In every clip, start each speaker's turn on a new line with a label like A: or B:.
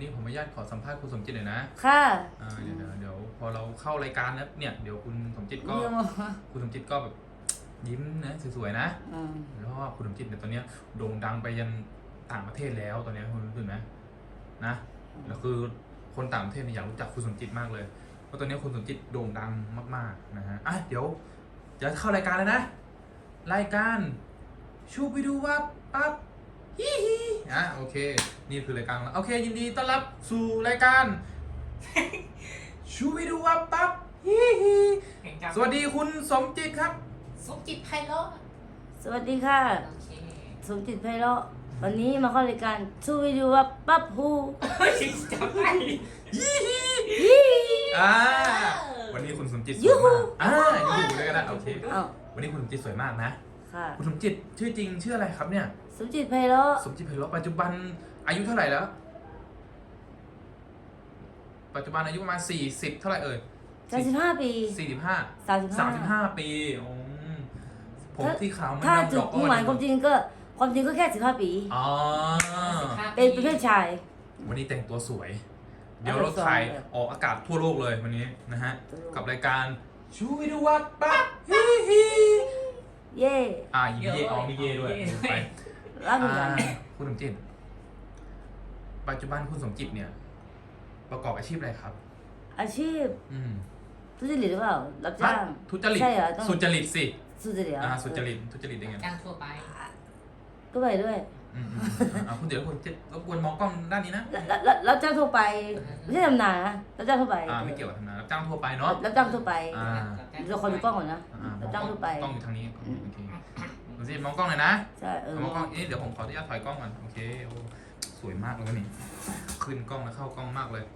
A: นี้ผมอนุญาตขอสัมภาษณ์คุณสมจิตหน่อยนะ
B: ค่ะ
A: เดี๋ยวพอเราเข้ารายการแล้วเนี่ยเดี๋ยวคุณสมจิตก็แบบยิ้มนะสวยๆนะแล้วก็คุณสมจิตเนี่ยตอนนี้โด่งดังไปยันต่างประเทศแล้วตอนนี้คุณรู้สึกไหมนะแล้วคือคนต่างประเทศเนี่ยอยากรู้จักคุณสมจิตมากเลยเพราะตอนนี้คุณสมจิตโด่งดังมากๆนะฮะเดี๋ยวจะเข้ารายการแล้วนะรายการชูไปดูว่าปั๊บฮิฮิโอเคนี่คือรายการแล้วโอเคยินดีต้อนรับสู่รายการชูไปดูว่าปั๊บฮิฮิสวัสดีคุณสมจิตครับ
C: สมจิตไพเราะ
B: สวัสดีค่ะ
C: โอเค
B: สมจิตไพเราะวันนี้มาเข้ารายการชูวิดูว่าปั๊บฮู
C: จำได้
A: วันนี้คุณสมจิตสวยมากอยู่ด้วยกันนะโอเควันนี้คุณสมจิตสวยมากนะ
B: ค่ะ
A: คุณสมจิตชื่อจริงชื่ออะไรครับเนี่ย
B: สมจิตไพเราะ
A: สมจิตไพเราะปัจจุบันอายุเท่าไหร่แล้วปัจจุบันอายุประมาณ40เท่าไหร่เอ่ย
B: 35 ปี
A: 35ปีผมที่ขาวมัน
B: ถ้าจุดมุ่งหมายความจริงก็แค่15 ปีเป็นเพศชาย
A: วันนี้แต่งตัวสวยเดี๋ยวเราถ่ายออกอากาศทั่วโลกเลยวันนี้นะฮะกับรายการชูวิดูวัดปั๊บฮิฮิ
B: เย่
A: ยิ้มเย่มีเย่ด้วยไปคุณสมจิตปัจจุบันคุณสมจิตเนี่ยประกอบอาชีพอะไรครับ
B: อาชีพทุจริตหรือเปล่ารับจ้าง
A: ทุจริต
B: ใช่เหรอ
A: สุจริตสิ
B: สุจริต
A: สุจริตยังไง
C: จ้างทั่วไป
B: ก็ไปด้วย
A: คุณเดี๋ยวคุณจะรบกวนมองกล้องด้านนี้นะ
B: รับจ้างทั่วไปไม่ใช่ทำนานะรับจ้างทั่วไป
A: ไม่เกี่ยวกับทำนารับจ้างทั่วไปเนาะ
B: รับจ้างทั่วไปเราคนดูกล้องก่อนนะรับจ้างทั่วไป
A: กล้องอยู่ทางนี้โอเคคุณสิมองกล้องหน่อยนะ
B: ใช่
A: มองกล้องเดี๋ยวผมขออนุญาตถอยกล้องก่อนโอเคสวยมากเลยนี่ขึ้นกล้องแล้วเข้ากล้องมากเลย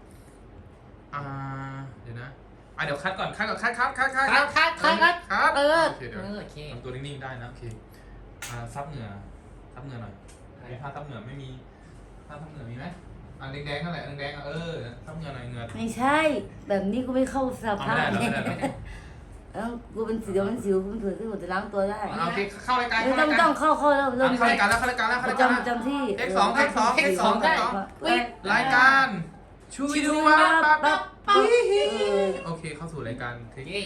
A: เดี๋ยวนะเดี๋ยวคัดก่อนคัดเดี๋ยวทำตัวนิ่งๆได้นะโอเคซับเหงื่อหน่อยมีผ้าซับเหงื่อไม่มีผ้าซับเหงื่อมีไหมแดงๆนั่นแหละแดงซับเหงื่อหน่อยเหงื่อ
B: ไม่ใช่แบบนี้กูไม่เข้าสภาพ
A: ไม่ได้
B: กูเป็นสิวมันสิวกูถือที่หมดจะล้างตัวได้
A: โอเคเข้ารายการ
B: ไม่ต้องเข้าแล้วเริ่ม
A: เข้ารายการแล้ว
B: จำที่
A: เทคสองรายการชูวิดูว่าปั๊บโอเคเข้าสู่รายการเทค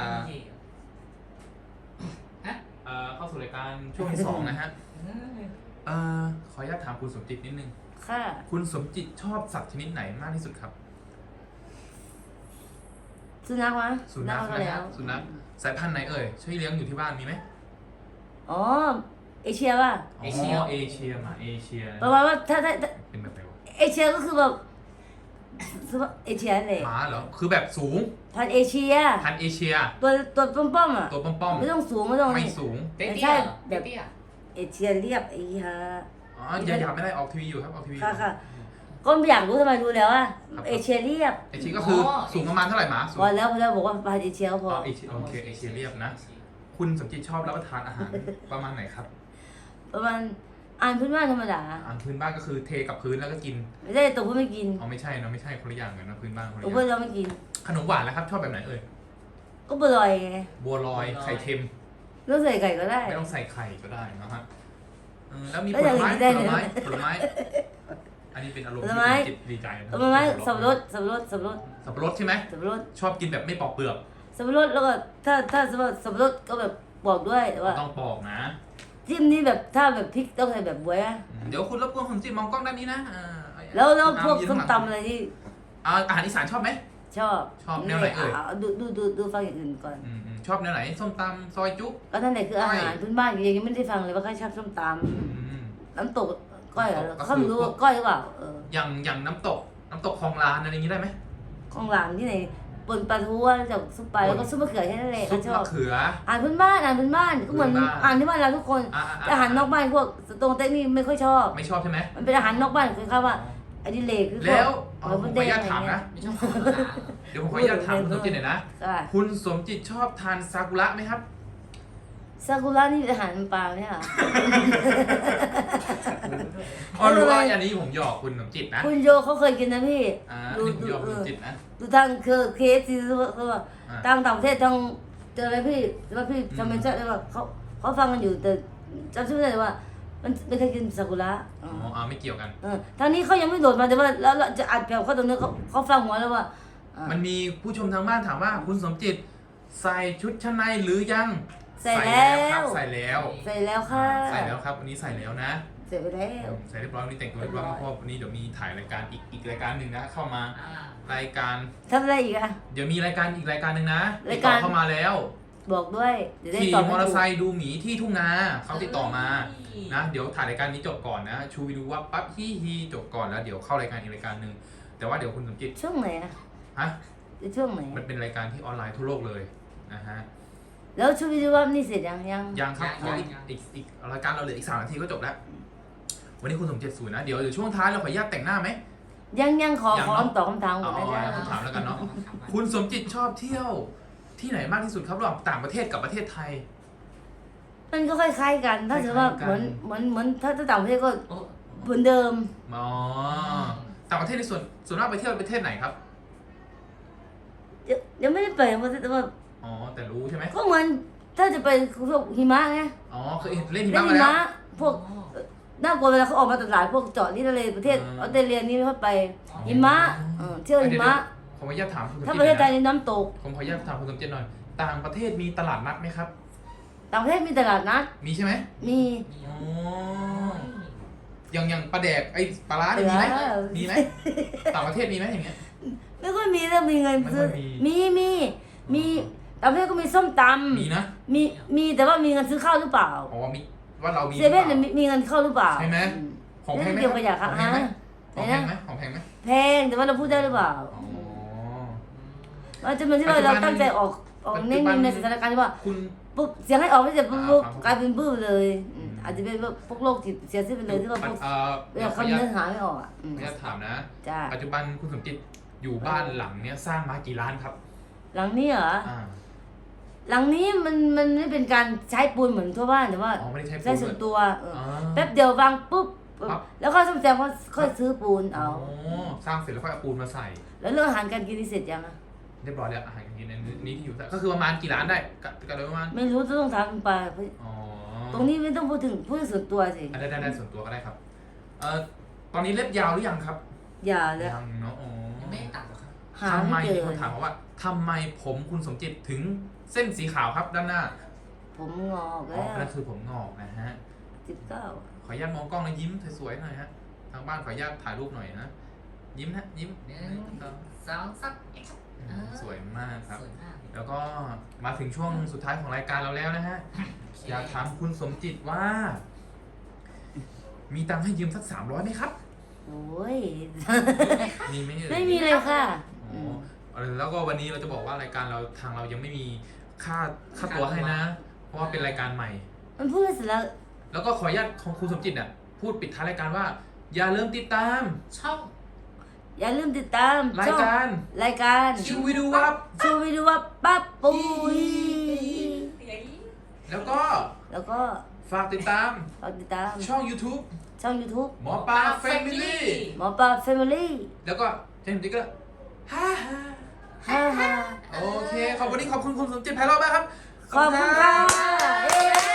A: เข้าสู่รายการช่วงที่2นะฮะขออนุญาตถามคุณสมจิตนิดนึง
B: ค่ะ
A: คุณสมจิตชอบสัตว์ชนิดไหนมากที่สุดครับ
B: สุนัขวะ
A: สุนัขนะครับสุนัขสายพันธุ์ไหนเอ่ยช่วยเลี้ยงอยู่ที่บ้านมีไหม
B: อ๋อเอเชียป่ะ
A: เอเชีย
B: ประมาณว่าถ้า
A: เป็นแบบไหนวะ
B: เอเชียก็คือแบบเอเชียเลย
A: หมาเหรอคือแบบสูง
B: พันเอเชียตัวป้อม
A: ตัวป้อม
B: ไม่ต้องสูงไม่
A: สูง
B: ไม่ใช่แบบเอเชียเรียบฮะ
A: อย่าไม่ได้ออกทีวีอยู่ครับออกทีวี
B: ค่ะก็ไม่อยากรู้ทำไมรู้แล้วอ่ะเอเชียเรียบ
A: เอเชียก็คือสูงประมาณเท่าไหร่หมา
B: พอแล้วบอกว่าพันเอเชียพอ
A: โอเคเอเชียเรียบนะคุณสมจิตชอบรับประทานอาหารประมาณไหนครับ
B: ประมาณอ่านพื้นบ้านธรรมดา
A: พื้นบ้านก็คือเทกับพื้นแล้วก็กิน
B: ไม่ใช่ตัวพื้นไม่กิน
A: ไม่ใช่นะไม่ใช่คนละอย่างกันนะพื้นบ้านคนละอย่าง
B: ตัวพื้นเราไม่กิน
A: ขนมหวานแล้วครับชอบแบบไหนเอ่ย
B: ก็บัวลอยไง
A: บัวลอยไข่เค็ม
B: ไม่ต้องใส่ไข่ก็ได้
A: ไม่ต้องใส่ไข่ก็ได้นะฮะแล้วมีผลไม้อันนี้เป็นอารมณ์จิตดีใจ
B: ผลไม้สับปะรด
A: ใช่ไหมชอบกินแบบไม่ปอกเปลือก
B: สับปะรดแล้วก็ถ้าสับปะรดก็แบบปอกด้วยแต่ว่า
A: ต้องปอกนะ
B: จิ้มนี่แบบถ้าแบบพริกต้องใส่แบบบวย
A: เดี๋ยวคุณรบกวนผมจิ้มมองกล้องด้านนี้นะ
B: แล้วพวกส้มตำอะไรที่
A: อาหารอีสานชอบไหม
B: ชอบ
A: แนวไหนเอ่ย
B: ดูฟังอย่างอื่นก่อน
A: ชอบแนวไหนส้มตำซอยจุ๊
B: ก็นั่นแหละคืออาหารพื้นบ้านยังไม่ได้ฟังเลยว่าใครชอบส้มตำน้ำตกก้อยเขาไม่รู้ว่าก้อยหรือเปล่า
A: อย่างน้ำตกคลองลานอะไรอย่างนี้ได้ไหม
B: คลองลานที่ไหนปนปลาทูจากซุปไปแล้วก็ซุปมะเขือแค่นั้นเอง
A: ซุปมะเขือ
B: อ่านพื้นบ้านก็เหมือนอ่านที่บ้านเราทุกคนแต่อาหารนอกบ้านพวกตรงเต็กนี่ไม่ค่อยชอบ
A: ไม่ชอบใช่ไหม
B: มันเป็นอาหารนอกบ้านคือคำว่าอดิเรกคือ
A: แล้วผมขออนุญาตถามนะเดี๋ยวผมขออนุญาตถามคุณสมจิตหน่อยนะคุณสมจิตชอบทานซากุระไหมครับ
B: ซากุระนี่อาหารปลาเนี่ยค่ะ
A: รู้ว่าอันนี้ผมหยอกคุณสมจิตนะ
B: คุณโยเขาเคยกินนะพี่
A: ดูหยอกคุณสมจิตนะ
B: ดูทางเคสที่ว่าต่างประเทศทางเจออะไรพี่ว่าพี่ทำเป็นเจ้าเลยว่าเขาฟังกันอยู่แต่จำชื่อไม่ได้ว่ามันไม่เคยกินซากุระอ๋อ
A: อ๋อไม่เกี่ยวกัน
B: ทางนี้เขายังไม่โหลดมาแต่ว่าแล้วเราจะอัดแบบเขาตรงนี้เขาฟังหัวแล้วว่า
A: มันมีผู้ชมทางบ้านถามว่าคุณสมจิตใส่ชุดชั้นในหรือยัง
B: ใส่แล้ว
A: ครับใส่แล้ว
B: ใส่แล้วค่ะ
A: ใส่แล้วครับวันนี้ใส่แล้วนะ
B: ใส่ไปแล้ว
A: ใส่เรียบร้อยวันนี้แต่งตัวเรียบร้อยเพราะวันนี้เดี๋ยวมีถ่ายรายการอีกรายการหนึ่งนะเข้ามารายการ
B: ทำอะไรอีกอะ
A: เดี๋ยวมีรายการอีกรายการหนึ่งนะติ
B: รา
A: ด
B: ย
A: ต่
B: กา
A: อ
B: ร
A: เข้ามาแล้ว
B: บอกด้วยเดี๋ยวได้
A: ขี่
B: ตอบ
A: มอเตอร์ไซ
B: ให้ถูก
A: ค์ดูหมีที่ทุ่งนาเขาติดต่อมานะเดี๋ยวถ่ายรายการนี้จบก่อนนะชูวิดูว่าปั๊บฮีจบก่อนแล้วเดี๋ยวเข้ารายการอีกรายการหนึ่งแต่ว่าเดี๋ยวคุณสมจิต
B: ช่วงไหนอะ
A: ฮะ
B: ช่วงไหน
A: มันเป็นรายการที่ออนไลน์ทั่วโลกเลยนะฮะ
B: แล้วช่วงวิดีโอว่านี่เสร็จยัง
A: ยังครับขออีกรายการเราเหลืออีก3 นาทีก็จบแล้ว วันนี้คุณสมจิตศูนย์นะเดี๋ยวช่วงท้ายเราขออนุญาตแต่งหน้าไหม
B: ยังขอตอบคำถามก่อนนะ
A: อ๋อ
B: จ๊ะ
A: คำถามแล้วกันเนาะคุณสมจิตชอบเที่ยวที่ไหนมากที่สุดครับระหว่างต่างประเทศกับประเทศไทย
B: มันก็คล้ายๆกัน ถ้าสมมติว่า
A: คล้ายๆกัน
B: เหมือนถ้าต่างประเทศก็เหมือนเดิม
A: อ๋อต่างประเทศในส่วนมากไปเที่ยวประเทศไหนครับ
B: ยังไม่ได้ไปแต่ว่า
A: อ๋อแต่รู้ใช่ไหม
B: ก็เหมือนถ้าจะไปพวกหิมะไง
A: อ๋อเคยเล่นหิ
B: เล่
A: มะ
B: น
A: มา
B: หิ
A: แล้ว
B: มะพวกน่ากลัวเวลาเขาออกมาตลาดพวกเจาะนี่ทะเลประเทศออสเตรเลียนี่เขาไปหิมะเที่ยวหิมะ
A: ผมขออนุญาตถามคุณสมจิต
B: ถ้าประเทศไทย
A: นะ
B: นี่น้ำตก
A: ผมขออนุญาตถามคุณสมจิตหน่อย ต่างประเทศมีตลาดนัดไหมครับ
B: ต่างประเทศมีตลาดนัด
A: มีใช่ไหม
B: มี
A: อ๋ออย่างปลาแดกไอ้ปลาร้าเนี่ยมีไหมมีไหมต่างประเทศมีไหมอย่างเงี้ย
B: ไม่ค่อยมีแล้วมีเงินซื้อ
A: ไม่ค่อยมี
B: มีต่างประเทศก็มีส้มต
A: มีนะ
B: ำมีแต่ว่ามีเงินซื้อข้าวหรือเปล่า
A: อ๋อมีว่าเรามี
B: เซเว่นเนี่ยมีเงินเข้าหรือเปล่า
A: ใช่ไหมของแพงไหม
B: เกี่ยวกับอยาก
A: ของแพงไหมของแพงไหมของแพงไหม
B: แพงแต่ว่าเราพูดได้หรือเปล่า
A: อ๋อ
B: ว่าจะเป็นที่ว่าเราตั้งใจออก
A: ปัจจุ
B: เน้
A: บัน
B: นในสถานการณ์ที่ว่า
A: คุณ
B: ปุ๊บเสียงให้ออกไม่เสร็จปุ๊บ
A: ครับ
B: กลายเป็นบื้อเลยอาจจะเป็นพวกโรคจิตเสียชีวิตไปเลยที่ว่าพวก
A: เดี๋ยวขออ
B: คำ
A: นุญา
B: เนื้
A: ต
B: อหาไม่ออกอ่ะ
A: ขออนุญาตถามนะ
B: จ้า
A: ปัจจุบันคุณสมจิตอยู่บ้านหลังเนี้ยสร้างมากี่ล้านครับ
B: หลังนี้เหรอ
A: อ่า
B: หลังนี้มันไม่เป็นการใช้ปูนเหมือนทั่วบ้านแต่ว่า
A: อ๋อไม่ได้ใช้ปูน
B: ใช้ส่วนตัว
A: อ๋อ
B: แป๊บเดียววางปุ๊บ
A: ครับ
B: แล้วก็ซ่อมแซมก็ค่อยซื้อปูนเอา
A: อ๋อสร้างเสร็จแล้วค่อยเอาปูนมาใส่
B: แล้วเรื่องอาหารการกินนี่เสร็จยังอะ
A: เรียบร้อยแล้วอาหารอย่างนี้ในนี้ที่อยู่ก็คือประมาณกี่ล้านได้กันโดยประมาณ
B: ไม่รู้ต้องถามคุณปา
A: อ๋อ
B: ตรงนี้ไม่ต้องพูดถึงส่วนตัวสิ
A: ได้ส่วนตัวก็ได้ครับตอนนี้เล็บยาวหรือยังครับ
B: อย่าเลย
A: ยังเนาะอ๋อ
C: ยังไม่ได้ตัดหรอกครับ
B: หา
A: ทำไม
B: ไม่เจ
A: มี
B: อ
A: คนถามมาว่าทำไมผมคุณสมจิตถึงเส้นสีขาวครับด้านหน้า
B: ผมงอก
A: อ๋อ
B: แล้ว
A: นั่นคือผมงอกนะฮะ
B: 19
A: ขออนุญาตมองกล้องแล้วยิ้มสวยๆหน่อยฮะทางบ้านขออนุญาตถ่ายรูปหน่อยนะยิ้มนะยิ้ม
C: หนึ่งสองสามเออ
A: สวยมากครับ
C: สวยมาก
A: แล้วก็มาถึงช่วงสุดท้ายของรายการเราแล้วนะฮะ อยากถามคุณสมจิตว่า มีตังค์ให้ยืมสัก300ไหมครับ
B: โอ้ย
A: มีไหมเอ่ย
B: ไม่มีเลยค่ะ
A: อ๋อแล้วก็วันนี้เราจะบอกว่ารายการเราทางเรายังไม่มีค่าตัวให้นะ เพราะว่าเป็นรายการใหม่
B: มันพูดเสร็จแล้ว
A: แล้วก็ขออนุญาตของคุณสมจิตน่ะพูดปิดท้ายรายการว่า อย่าลืมติดตาม
C: ช่อง
B: อย่าลืมติดตาม
A: รายการ
B: รายการ
A: ชูวิดูวับ
B: ชูวิดีโอว่าปั๊บปุย
A: แล้วก็
B: แล้วก็
A: ฝากติดตาม
B: ฝากติดตาม
A: ช่อง YouTube
B: ช่อง YouTube
A: หมอปลาแฟมิลี่
B: หมอปลาแฟมิลี่
A: แล้วก็เจมส์ดิกก็ฮ่าฮ่า
B: ฮ่าฮ่า
A: โอเค วันนี้ขอบคุณคุณสมจิตไพเราะมากครับ
B: ขอบคุณค่ะเย้